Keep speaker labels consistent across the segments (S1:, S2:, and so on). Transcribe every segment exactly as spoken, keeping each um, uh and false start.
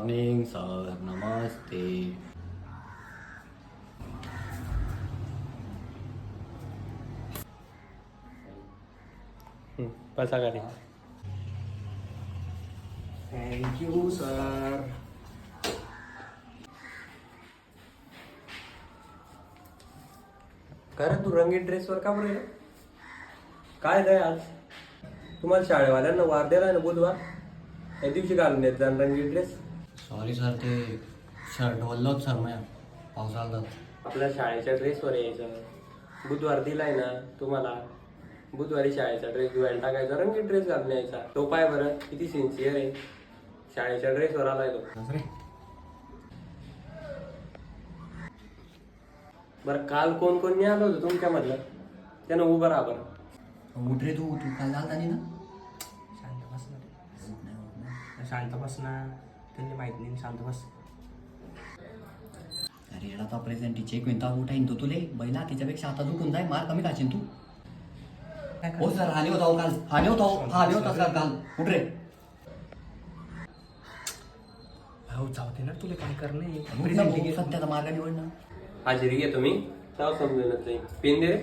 S1: Morning sir, नमस्ते.
S2: बसा खाली.
S3: Thank you sir.
S2: कारण तू रंगीत ड्रेसवर का बरं? काय काय आज तुम्हाला शाळेवाल्यांना वार दिला ना बुधवार, त्या दिवशी घालून येत जा रंगीत ड्रेस.
S1: सॉरी सर, ते शर्ट वल्लोच सर माझ्या पावसाळ्यात.
S2: आपल्या शाळेच्या ड्रेसवर यायचं. बुधवार दिलाय ना तुम्हाला, बुधवारी शाळेचा ड्रेस धुवायला टाकायचा, रंगीत ड्रेस घालून यायचा. तो पाय बरं किती सिन्सिअर आहे, शाळेच्या ड्रेसवर आलाय तो. बरं काल कोण कोण नाही आलं होतं तुमच्यामधलं, त्यानं उभं राहा बरं.
S1: उठ रे तू, तू काल झालता नाही ना?
S3: शांत बस ना, शांत बस ना. त्यांनी माहित नाही, शांत बस.
S1: अरे येडा तो प्रेझेंट चेक विंता उठाईन तो तुले बैला, त्याच्यापेक्षा आता उठून जाय, मार कमी खाशील तू. हो सर, आले होता हो काल, आले होता हो, हा आले होता सर काल. उठ रे.
S3: हो जाऊ दे ना, तुला काय करणं
S1: प्रेझेंट सध्याचा मार्ग निवड ना.
S2: हाजिरी घे तुम्ही, तेव्हा समजून जाईल. पेन दे रे.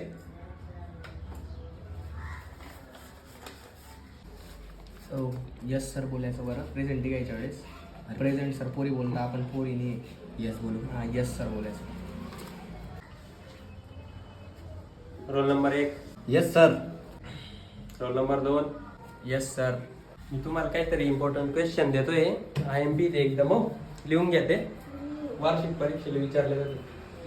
S3: सो यस सर बोलायचं बरं प्रेझेंट घ्यायच्या वेळेस. प्रेझेंट सर पोरी बोलता, आपण पोरीने
S1: येस बोलू.
S3: हां यस सर बोलायचं.
S2: रोल नंबर एक.
S1: Yes sir.
S2: रोल नंबर दोन.
S3: Yes sir.
S2: मी तुम्हाला काहीतरी इम्पॉर्टंट क्वेश्चन देतोय, आय एम पी ते एकदम हो, लिहून घ्या. ते वार्षिक परीक्षेला विचारले जाते.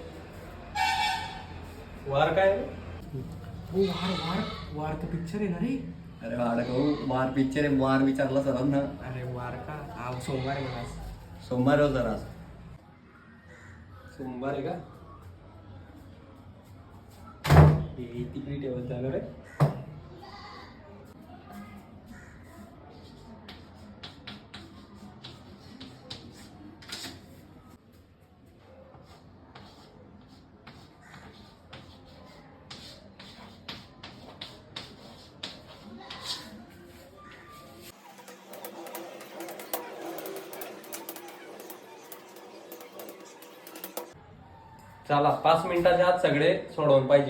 S2: वार काय?
S3: हो वार वार वार तर पिक्चर आहे ना रे.
S1: अरे वाड भाऊ, वार पिक्चर आहे, वार विचारला सरांना.
S3: अरे वार का? हा सोमवार आहे मला.
S1: सोमवार हो जरा.
S2: सोमवार आहे का? हे तिकडे ठेवत झालं रे. चला पाच मिनिटाच्या आत सगळे सोडवून पाहिजे.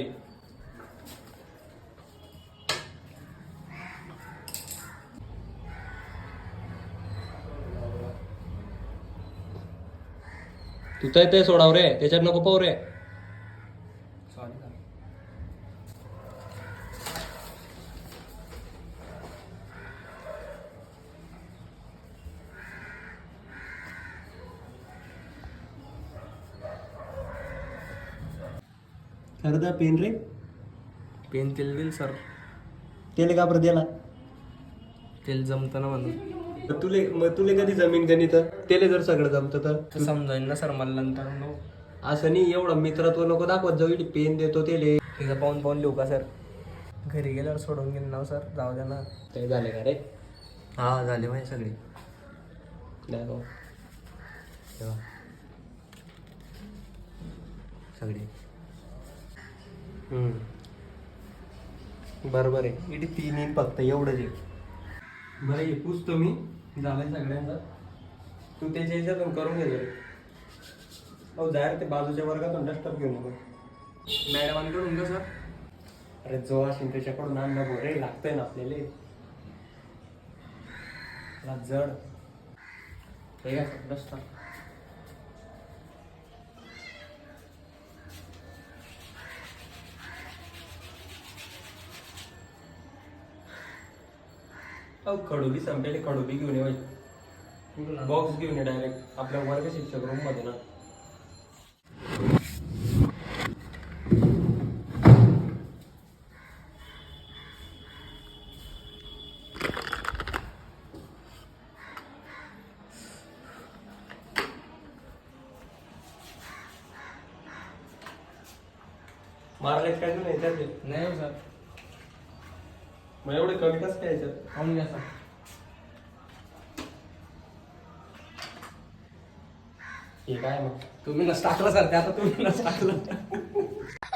S2: तू तर ते सोडाव रे, त्याच्यात नको पाहू रे.
S3: Sorry sir.
S2: खरं पेन रे.
S3: पेन तेल देईल सर.
S2: तेल का बरं दिला?
S3: तेल जमतं ना म्हणून.
S2: मग तुले मग तुले कधी जमीन गणित तेले जर सगळं जमतं तर
S3: तर समजाईल ना सर मला नंतर. नो
S2: असं नाही, एवढं मित्रत्व नको दाखवत जाऊ. इथे पेन देतो तेले.
S3: तिथं पाहून पाहून लिहू का सर? घरी गेल्यावर सोडून घेईन ना सर, जाऊ द्या ना.
S2: ते झाले का रे?
S1: हा झाले माझे सगळे.
S2: नाही हो.
S1: तेव्हा सगळे.
S2: हम्म. बरोबर आहे. इथे तीन येईन फक्त, एवढंच आहे. बरं हे पुसतो मी, झालंय सगळ्यांचा. तू त्याच्या ह्याच्यातून करून घे जरी. हो जाय ते बाजूच्या वर्गातून डस्टर घेऊन येतो.
S3: मॅडमांकडून का सर?
S2: अरे जो असेल त्याच्याकडून आण ना रे, लागतंय ना आपल्याला. त्याला जड हे का डस्टर. अहो खडोली संपलेली, खडोली घेऊन ये. बॉक्स घेऊन ये डायरेक्ट आपल्या वर्ग शिक्षक रूम मध्ये ना. मारले काय नाही याच्यात?
S3: नाही हो सर.
S2: मग एवढे कमी कसं काय याच्यात?
S3: पाहून घ्या सर.
S2: हे काय मग?
S3: तुम्ही नस टाकलं सर, ते आता तुम्ही नस टाकलं.